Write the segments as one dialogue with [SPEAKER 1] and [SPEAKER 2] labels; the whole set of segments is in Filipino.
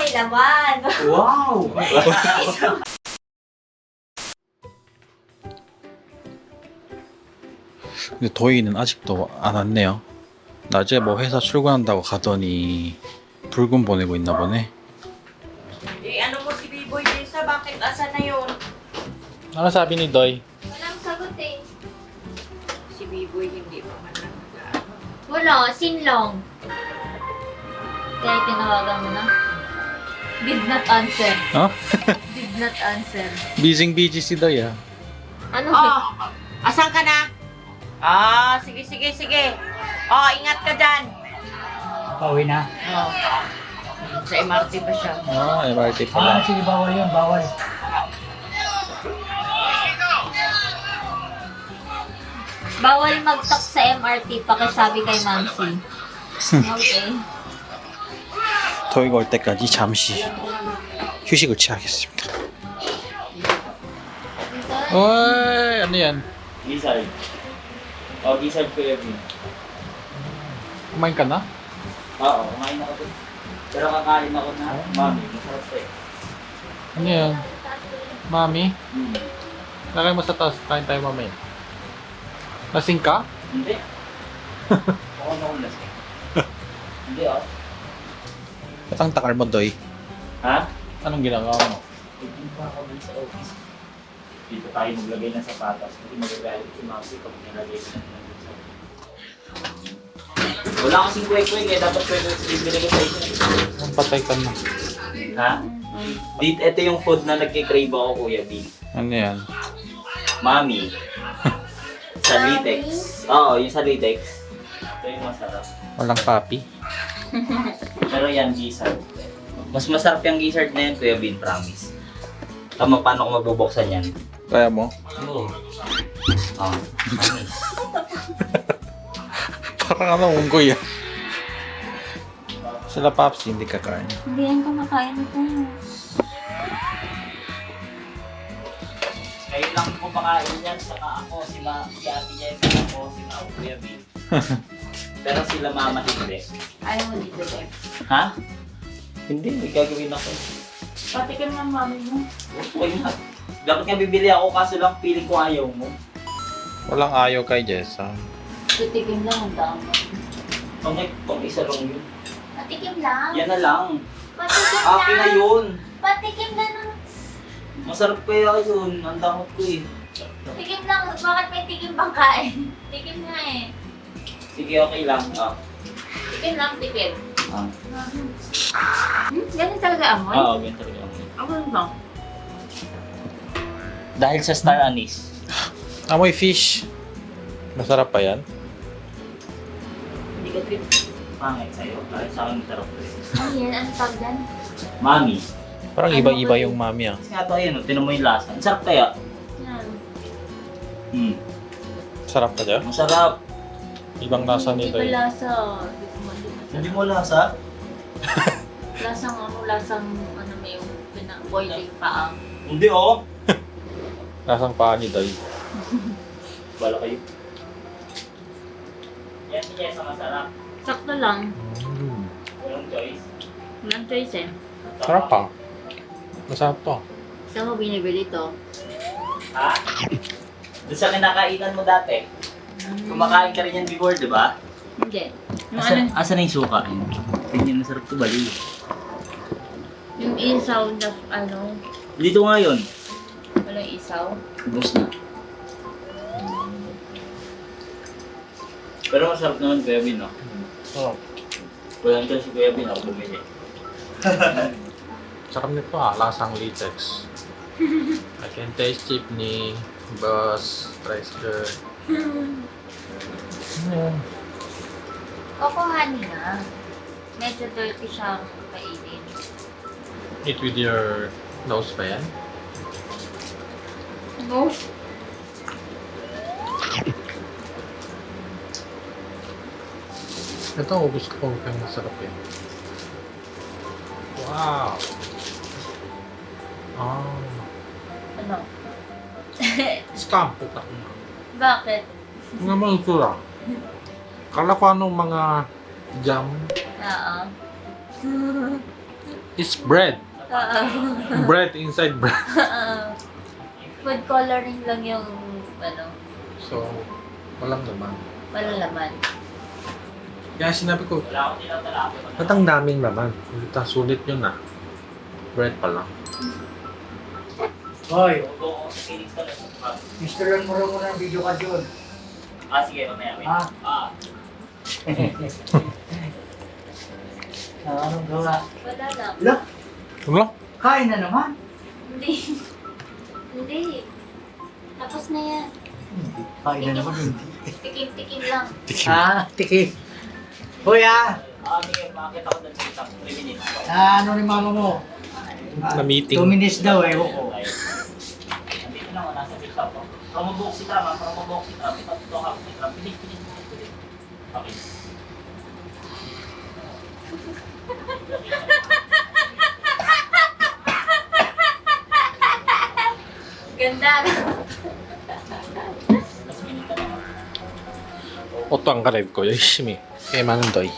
[SPEAKER 1] may laman.
[SPEAKER 2] Wow!
[SPEAKER 3] 근데 도희는 아직도 안 왔네요. 낮에 뭐 회사 출근한다고 가더니 붉은 보내고 있나 보네.
[SPEAKER 4] Eh, ano mo si B-Boy Jessa? Bakit? Asa na yun?
[SPEAKER 3] Ano sabi ni Doy?
[SPEAKER 1] Walang sagot eh.
[SPEAKER 4] Si B-Boy hindi pa man lang nag-ano.
[SPEAKER 1] Wala, sinlong. Kaya tinawagan mo na. Did not answer.
[SPEAKER 3] Huh?
[SPEAKER 1] Did not answer.
[SPEAKER 3] Busy si Doy ah.
[SPEAKER 1] Ano?
[SPEAKER 4] Oh! Asan ka na? Ah, sige. Oh, ingat ka dyan.
[SPEAKER 2] Pauwi na.
[SPEAKER 4] Oh. Sa MRT pa siya.
[SPEAKER 3] Ah, MRT pala.
[SPEAKER 2] Sige, bawal yun, bawal.
[SPEAKER 1] Bawal mag-talk sa MRT, pakisabi kay Mamsi. Okay.
[SPEAKER 3] 도희가 올 때까지 잠시 휴식을 취하겠습니다. 어이, ano yan?
[SPEAKER 5] Gizzard. O, gizzard ko yun.
[SPEAKER 3] Kumain ka na?
[SPEAKER 5] Oo, kumain ako dun. Pero kakain ako na, mami, masarap to eh.
[SPEAKER 3] Ano yan? Mami?
[SPEAKER 5] Hmm.
[SPEAKER 3] Lagay mo sa taas, kain tayo mamaya. Lasing ka?
[SPEAKER 5] Hindi. Oo, naman lasing. Hindi oh.
[SPEAKER 3] Ba't ang takal mo, Doy?
[SPEAKER 5] Ha?
[SPEAKER 3] Anong ginagawa mo?
[SPEAKER 5] Hindi pa ako dun sa office. Dito tayo maglagay ng sapatos. Hindi magagalit si Maxi pag nilagay ko na dun sa wala kasing kwek-kwek eh. Dapat kwek-kwek bibili ko sa inyo.
[SPEAKER 3] Ang patay ka na.
[SPEAKER 5] Ha? Dito, ito yung food na nagkikrave ako, Kuya B.
[SPEAKER 3] Ano yan?
[SPEAKER 5] Mami. Sa Litex. Oo, yung sa Litex. Ito yung masarap.
[SPEAKER 3] Walang papi?
[SPEAKER 5] Pero yan, gizzard. Mas masarap yung gizzard na yan, Kuya Bin, promise. Tama, paano ko mabubuksan yan?
[SPEAKER 3] Kaya mo?
[SPEAKER 5] Oo. Oh, promise.
[SPEAKER 3] Parang ano, unggoy ah. Sila Paps, hindi kakain.
[SPEAKER 1] Hindi yan kumakain ito.
[SPEAKER 5] Ngayon lang ko makain yan, saka ako, si Ate Jessica, ako, si Kuya Bin. Pero sila mama hindi.
[SPEAKER 4] Ayaw mo dito, Deb.
[SPEAKER 5] Ha? Hindi, may gagawin ako.
[SPEAKER 4] Patikim ng mami mo.
[SPEAKER 5] Okay na. Dapat nga bibili ako, kaso lang piling ko ayaw mo.
[SPEAKER 3] Walang ayaw kay Jessa.
[SPEAKER 1] Tutikim lang ang dami.
[SPEAKER 5] Pang isa lang yun.
[SPEAKER 1] Patikim lang.
[SPEAKER 5] Yan na lang.
[SPEAKER 1] Patikim
[SPEAKER 5] Akin na
[SPEAKER 1] lang.
[SPEAKER 5] yun.
[SPEAKER 1] Patikim lang.
[SPEAKER 5] Masarap kaya yun. Ang damot ko eh.
[SPEAKER 1] Tikim lang. Bakit may tikim bang kain? Tikim nga eh.
[SPEAKER 5] Sige, okay lang. Ah.
[SPEAKER 1] Tikim lang, tikim.
[SPEAKER 5] Ah.
[SPEAKER 1] Ganun talaga amoy?
[SPEAKER 5] Oo, ganito rin ako.
[SPEAKER 4] Ako lang.
[SPEAKER 5] Dahil sa star anise.
[SPEAKER 3] Amoy fish. Masarap pa yan?
[SPEAKER 5] Hindi ka trip. Pangit sa'yo. Dahil sa akin masarap ko eh.
[SPEAKER 1] Ano yan? Ano tawag dyan?
[SPEAKER 5] Mami.
[SPEAKER 3] Parang
[SPEAKER 1] Ano
[SPEAKER 3] iba-iba
[SPEAKER 1] ba
[SPEAKER 3] yung mami ah.
[SPEAKER 5] Kasi nga ito ayun, tinan mo yung lasa. Ang sarap kaya.
[SPEAKER 1] Yan.
[SPEAKER 3] Sarap ka dyan?
[SPEAKER 5] Masarap.
[SPEAKER 3] Ibang lasa
[SPEAKER 1] Hindi
[SPEAKER 3] nito
[SPEAKER 1] ba
[SPEAKER 3] yun.
[SPEAKER 1] lasa?
[SPEAKER 5] Hindi mo lasa?
[SPEAKER 1] Lasang ano may yung pina-boiling paang.
[SPEAKER 5] Hindi oh.
[SPEAKER 3] Lasang paa ni Doy.
[SPEAKER 5] Bala kayo. Yan si Jessa masarap.
[SPEAKER 1] Sakto lang.
[SPEAKER 5] Walang choice.
[SPEAKER 1] Walang choice eh.
[SPEAKER 3] Sarap pa. Masarap to.
[SPEAKER 1] Saan mo binibili to?
[SPEAKER 5] Ha? Doon sa kinakainan mo dati. Kumakain ka rin yan before, di ba?
[SPEAKER 1] Hindi. Yung ano,
[SPEAKER 5] Asa na yung suka? Tingnan, masarap to bali.
[SPEAKER 1] yung isaw na ano,
[SPEAKER 5] Dito nga yun.
[SPEAKER 1] walang isaw.
[SPEAKER 5] Ubus na. Pero masarap naman Kuya Bin, no?
[SPEAKER 3] Oh.
[SPEAKER 5] Walang choice si Kuya Bin, ako bumili.
[SPEAKER 3] Sarap nito ah. Lasang latex. I can taste jeepney, bus, rice girl.
[SPEAKER 1] Kukuhanin na. Medyo dirty siyang kainin.
[SPEAKER 3] Eat with your nose pa yan?
[SPEAKER 1] No.
[SPEAKER 3] Ito, ubus ko kung masarap yan. Wow! Ah.
[SPEAKER 1] Ano?
[SPEAKER 3] Scam, putak mo.
[SPEAKER 1] Bakit?
[SPEAKER 3] Nga mga itsura. Kala ko anong mga jam.
[SPEAKER 1] Oo.
[SPEAKER 3] It's bread.
[SPEAKER 1] Oo.
[SPEAKER 3] Bread inside bread.
[SPEAKER 1] Food coloring lang yung ano,
[SPEAKER 3] So, walang naman.
[SPEAKER 1] walang laman.
[SPEAKER 3] Kaya sinabi ko,
[SPEAKER 5] Wala akong tinatalapi.
[SPEAKER 3] ba't ang daming laman? Sulit yun ah. Bread pa lang.
[SPEAKER 2] Hoy,
[SPEAKER 5] Bubuo ko sa Phoenix ka lang.
[SPEAKER 2] Mr. mo ng video ka dyan.
[SPEAKER 5] Sige, mamaya.
[SPEAKER 2] Ah. Anong gawa?
[SPEAKER 1] Wala lang.
[SPEAKER 2] Wala,
[SPEAKER 3] Wala?
[SPEAKER 2] kain na naman.
[SPEAKER 1] Hindi. Hindi. Tapos na yan.
[SPEAKER 2] Kain na naman yun.
[SPEAKER 1] Tikim-tikim lang.
[SPEAKER 2] Tiki. Hoy
[SPEAKER 5] Sige, makakita ko doon sa isang 3 minutes.
[SPEAKER 2] ano ni mama mo?
[SPEAKER 3] Na meeting.
[SPEAKER 2] 2 minutes daw eh. Oo.
[SPEAKER 5] Nandito na ako, nasa TikTok ko. Promobok si Tram, promobok si Tram. Ito ako si Tram. Pilis. Okay.
[SPEAKER 1] Ganda.
[SPEAKER 5] Mas minute na lang.
[SPEAKER 3] 옷도 안 갈아입고 열심히 게임하는 너희.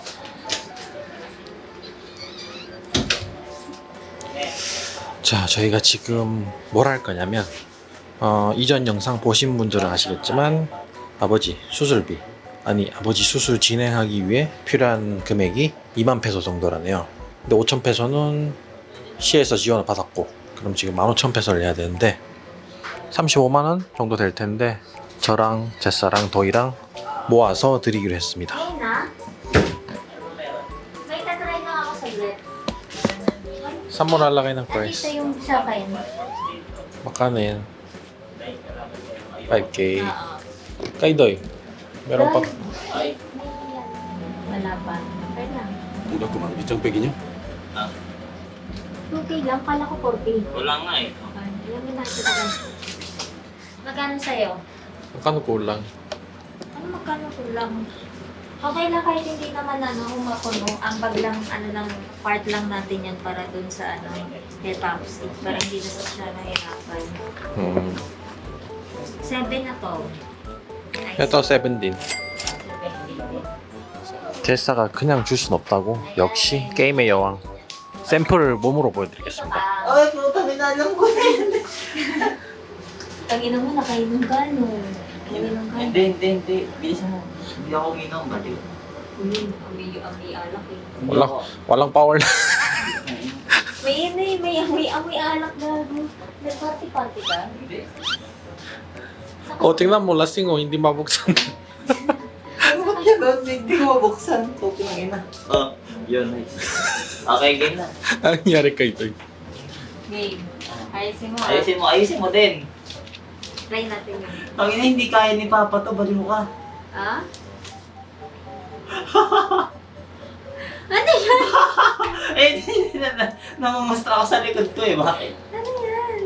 [SPEAKER 3] 자, 저희가 지금 뭘 할 거냐면 이전 영상 보신 분들은 아시겠지만 아버지 수술비 아버지 수술 진행하기 위해 필요한 금액이 2만 페소 정도라네요. 근데 5천 페소는 시에서 지원을 받았고 그럼 지금 15,000페소를 내야 되는데 35만 원 정도 될 텐데 저랑 제사랑 도희랑 모아서 드리기로 했습니다.
[SPEAKER 1] Ayun na. May tatry na ako saglit.
[SPEAKER 3] 선물하려고 ng
[SPEAKER 1] Nandito
[SPEAKER 3] price.
[SPEAKER 1] yung sa akin.
[SPEAKER 3] Magkano yan? 5K.
[SPEAKER 1] Oo.
[SPEAKER 3] Kay Doy, meron pa.
[SPEAKER 5] Ay,
[SPEAKER 1] Wala pa. Okay lang.
[SPEAKER 3] Udah kumang itong peginya?
[SPEAKER 1] 2K lang. Kala ko 4K.
[SPEAKER 5] wala nga eh.
[SPEAKER 1] Alam mo na kita ka. Magkano sa'yo?
[SPEAKER 3] Magkano kulang?
[SPEAKER 1] Ano magkano ko lang? Okay lang kahit hindi naman humakuno. Ang bag lang, part lang natin yan para dun sa hair pump stick. Para hindi na siya nahirapan. 7 na to.
[SPEAKER 3] 또 세븐틴. 제사가 그냥 줄 순 없다고. 역시 게임의 여왕. 샘플을 몸으로 보여드리겠습니다.
[SPEAKER 5] Ay, puta, minalang ko na yun.
[SPEAKER 1] Tanginan mo, nakainom ka, no? Nakainom ka.
[SPEAKER 5] Hindi. Bilisan mo. Hindi ako ginom, baliw.
[SPEAKER 1] Amoy alak eh.
[SPEAKER 3] walang power.
[SPEAKER 1] May amoy alak gago. Nag-party-party ka?
[SPEAKER 5] Hindi.
[SPEAKER 3] 어, tingnan mo, lasing hindi mabuksan.
[SPEAKER 5] Ba't yan? Hindi ko mabuksan. Topi ng ina. Yun, nice. Okay, game na.
[SPEAKER 3] Anong nangyari kay Doy?
[SPEAKER 1] Game. Ayusin mo.
[SPEAKER 5] Ayusin mo din.
[SPEAKER 1] Try natin yun.
[SPEAKER 5] Ang ina, hindi kaya ni Papa to, baliw ka.
[SPEAKER 1] Ah? Ano yan?
[SPEAKER 5] Hindi na. Namamastra ako sa likod ko eh. Bakit?
[SPEAKER 1] Ano yan?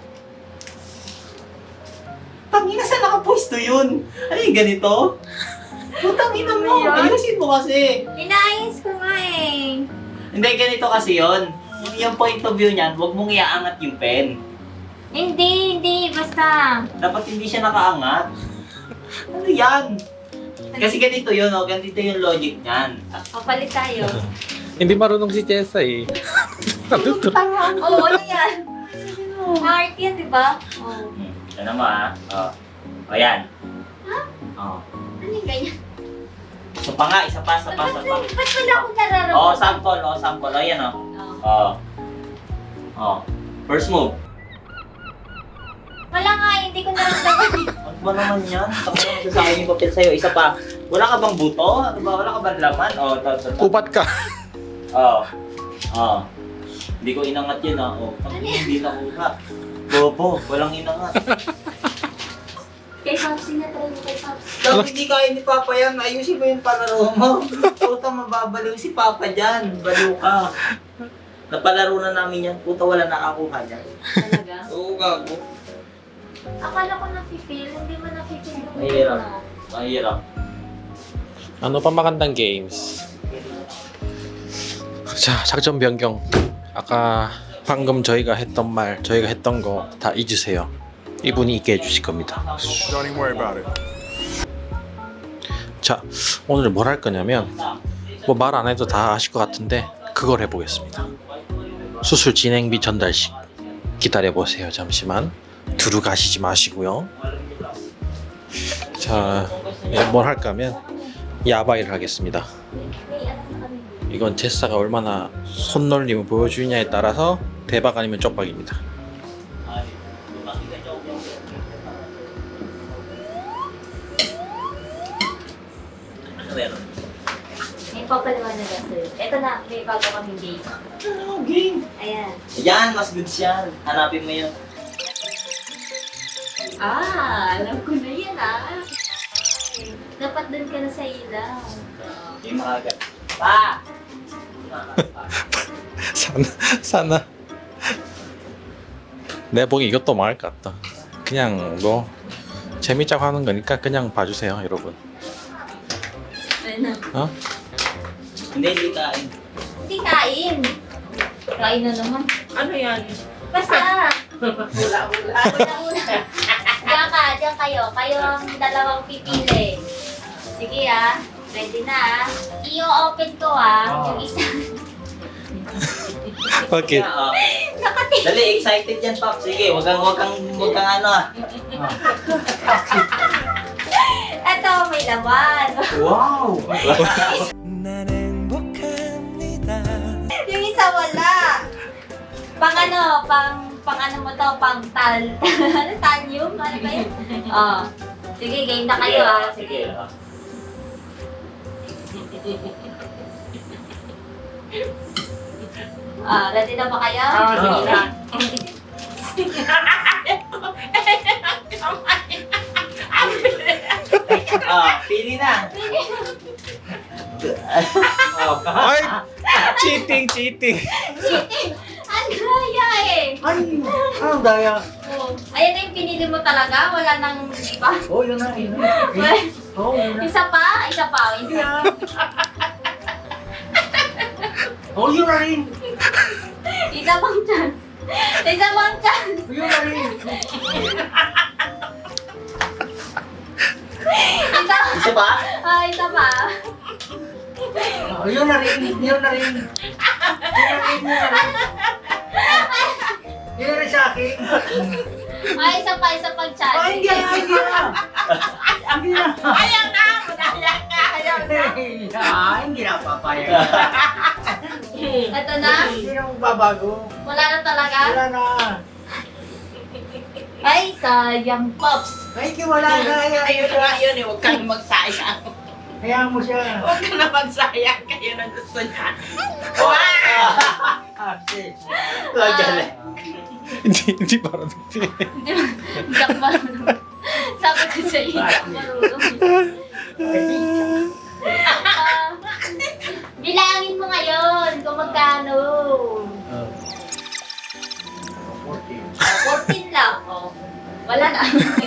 [SPEAKER 5] Tangina, saan nakapwesto yun? Ano yung ganito? Putangina mo.
[SPEAKER 1] Ano yun?
[SPEAKER 5] Ayusin mo kasi.
[SPEAKER 1] Inaayos ko nga eh.
[SPEAKER 5] Hindi, ganito kasi yun. Yung point of view niyan, huwag mong iaangat yung pen.
[SPEAKER 1] Hindi. Basta.
[SPEAKER 5] Dapat hindi siya nakaangat. Ano yan? Kasi ganito yun, oh. Ganito yung logic niyan.
[SPEAKER 1] Kapalit tayo.
[SPEAKER 3] Hindi marunong si Jessa eh.
[SPEAKER 1] Oo, ano yan? Heart yan, di ba? Oo.
[SPEAKER 5] Ano mo ah? O yan.
[SPEAKER 1] Ha?
[SPEAKER 5] Oh.
[SPEAKER 1] Ano yung ganyan?
[SPEAKER 5] So pa nga, isa pa.
[SPEAKER 1] Ba't wala akong nararamdaman?
[SPEAKER 5] Oh, sample. O yan oh.
[SPEAKER 1] Oo.
[SPEAKER 5] Oh. First move.
[SPEAKER 1] Wala nga, hindi ko naramdaman.
[SPEAKER 5] Ano ba naman yan? Tapos naman sa akin yung papel sa'yo. Isa pa. Wala ka bang buto? Ano ba? Wala ka bang laman? Oh,
[SPEAKER 3] Upat ka.
[SPEAKER 5] Oh. Hindi ko inangat yun ah. Oh, hindi nakuha. Bobo, walang inangat.
[SPEAKER 1] Kay Papsi na, try mo kay Papsi.
[SPEAKER 5] Dapat hindi kaya ni Papa yan. Ayusin mo yung palaro mo. Puta, mababaliw si Papa dyan. Baliw ka. Napalaro na namin yan. Puta, wala nakakuha dyan.
[SPEAKER 1] Talaga?
[SPEAKER 5] Oo, gago.
[SPEAKER 1] Akala ko na-feel, hindi mo na-feel yung
[SPEAKER 5] Mahirap.
[SPEAKER 1] ano.
[SPEAKER 5] Mahirap.
[SPEAKER 3] Ano pa magandang games? 자, 작전 변경. 아까 방금 저희가 했던 말, 저희가 했던 거 다 잊으세요. 이분이 있게 해주실 겁니다.
[SPEAKER 6] Don't even worry about it.
[SPEAKER 3] 자, 오늘 뭘 할 거냐면 뭐 말 안 해도 다 아실 것 같은데 그걸 해보겠습니다. 수술 진행비 전달식 기다려 보세요. 잠시만 두루 가시지 마시고요. 자, 뭘 할까 하면 야바이를 하겠습니다. 이건 제사가 얼마나 손놀림을 보여주느냐에 따라서 대박 아니면 쪽박입니다.
[SPEAKER 5] Ano meron?
[SPEAKER 1] May papaliwanag na sa'yo. Ito na, may bago kaming game.
[SPEAKER 5] Ano, game?
[SPEAKER 1] Ayan.
[SPEAKER 5] Yan, mas goods yan. Hanapin mo yun.
[SPEAKER 1] Alam ko na yan Dapat doon ka na sa ilaw.
[SPEAKER 5] Game agad. Pa!
[SPEAKER 3] sana 내가 보기 이것도 망할 것 같다. 그냥 뭐 재밌자고 하는 거니까 그냥 봐주세요, 여러분.
[SPEAKER 1] Ayun na.
[SPEAKER 3] 어?
[SPEAKER 5] Hindi kain.
[SPEAKER 1] Hindi kain. Kain na naman.
[SPEAKER 4] Ano yan?
[SPEAKER 1] Basta.
[SPEAKER 4] Hula-hula.
[SPEAKER 1] Una-una. Diyan kayo. Kayo ang dalawang pipili. Sige ready na I-open ko yung isa.
[SPEAKER 3] Bakit?
[SPEAKER 5] Oh.
[SPEAKER 1] Nakati.
[SPEAKER 5] Dali, excited yan, Pop. Sige, wag kang ano
[SPEAKER 1] Ito, may laman.
[SPEAKER 2] Wow!
[SPEAKER 1] Yung isa wala. Pang ano mo to, pang tanyum? Ano ba yun? Sige, game na kayo Sige. Ready na ba kayo?
[SPEAKER 4] Sige na.
[SPEAKER 5] Pili na.
[SPEAKER 3] Ay! Cheating!
[SPEAKER 1] Ang daya
[SPEAKER 2] Ano daya?
[SPEAKER 1] Ayan na yung pinili mo talaga? Wala nang iba?
[SPEAKER 2] Oh, yun na. Yun na.
[SPEAKER 1] Isa pa? Isa.
[SPEAKER 2] Oh, yun na rin.
[SPEAKER 1] Isa pang chance.
[SPEAKER 2] Yun na rin.
[SPEAKER 5] Isa pa?
[SPEAKER 1] Isa pa.
[SPEAKER 2] Oh, yun na rin. Yun na rin sa akin.
[SPEAKER 1] Isa pang chance.
[SPEAKER 2] Hindi na.
[SPEAKER 4] Ayaw na! Madaya ka! Ayaw na!
[SPEAKER 2] Hindi na papayag.
[SPEAKER 1] Ito na?
[SPEAKER 2] Hindi na magbabago.
[SPEAKER 1] Wala na talaga?
[SPEAKER 2] Wala na.
[SPEAKER 1] Ay, sayang, Pops.
[SPEAKER 2] Ay, wala na.
[SPEAKER 4] Ayun nga yun eh, huwag kang magsayang.
[SPEAKER 2] Hayaan mo siya.
[SPEAKER 4] Huwag ka na magsayang, kayo na gusto niya.
[SPEAKER 5] Galing.
[SPEAKER 3] hindi para nagpili.
[SPEAKER 1] Hindi ako marunong. Sabi ko sa iyo, hindi ako marunong. Bilangin mo ngayon kung magkano. 14 lang. Wala na.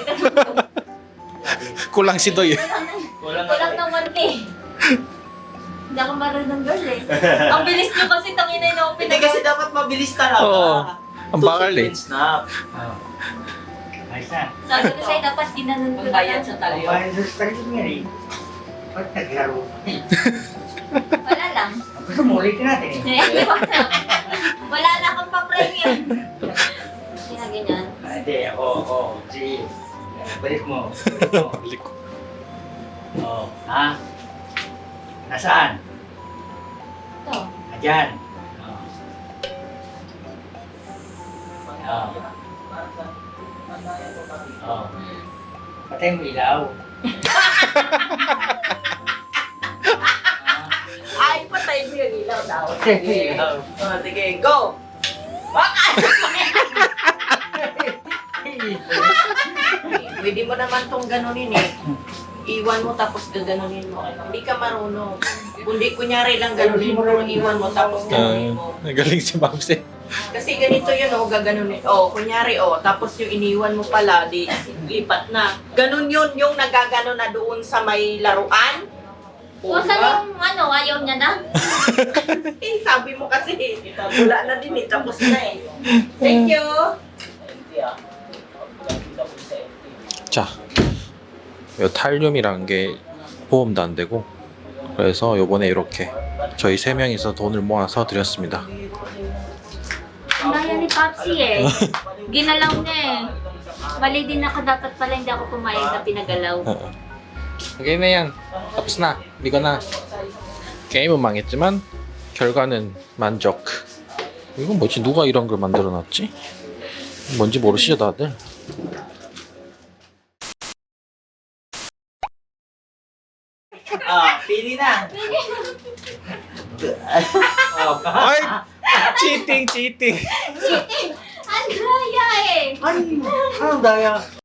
[SPEAKER 3] Kulang si Doy.
[SPEAKER 5] Kulang
[SPEAKER 1] Kulang ng 1K. Hindi ako marunong girl Ang bilis nyo kasi tangina yung open
[SPEAKER 5] Hindi kasi dapat mabilis talaga.
[SPEAKER 3] Oo. Ang bakal eh.
[SPEAKER 5] Snap.
[SPEAKER 2] Ayos na.
[SPEAKER 1] Sabi ko sa'yo, dapat ginanon ko
[SPEAKER 4] Magbayad
[SPEAKER 1] na.
[SPEAKER 4] sa talyo.
[SPEAKER 2] Bayan sa sarili niya rin. Ba't naglaro?
[SPEAKER 1] Wala lang.
[SPEAKER 2] Gusto mo ulitin natin eh.
[SPEAKER 1] Wala na akong pa-premium. Hindi na ganyan.
[SPEAKER 2] Hindi, oo. Sige. Balik mo. Balik mo. Oo. Ha? Nasaan?
[SPEAKER 1] Ito.
[SPEAKER 2] Ayan. Oo. Oo. Oo. Patay mo ilaw.
[SPEAKER 4] Ay, patay mo yung ilaw daw.
[SPEAKER 2] Patay mo ilaw.
[SPEAKER 5] Sige, go!
[SPEAKER 4] Pwede mo naman tong ganunin eh. Iwan mo tapos gaganunin mo. Hindi ka marunong. Kundi kunyari lang ganunin mo, iwan mo tapos ganunin mo.
[SPEAKER 3] Nagaling si Babs eh.
[SPEAKER 4] Kasi ganito yun gaganunin. Kunyari tapos yung iniwan mo pala, di lipat na. Ganun yun, yung nagagano na doon sa may laruan.
[SPEAKER 1] O, saan yung ayaw niya na?
[SPEAKER 4] Sabi mo kasi, wala na din tapos na eh. Thank you!
[SPEAKER 3] 자, 요 탈륨이란 게 보험도 안 되고 그래서 요번에 이렇게 저희 3명이서 돈을 모아서 드렸습니다.
[SPEAKER 1] Papsi eh. Ginalaw niya eh. Mali din ako, dapat pala hindi ako pumayag na pinagalaw.
[SPEAKER 3] Okay na yan. tapos 나. 이거 나. 게임은 망했지만 결과는 만족. 이건 뭐지? 누가 이런 걸 만들어놨지? 뭔지 모르시죠 다들?
[SPEAKER 5] Pili na.
[SPEAKER 3] 아이 치팅 치팅.
[SPEAKER 1] Ang daya eh!
[SPEAKER 2] Ay, anong daya?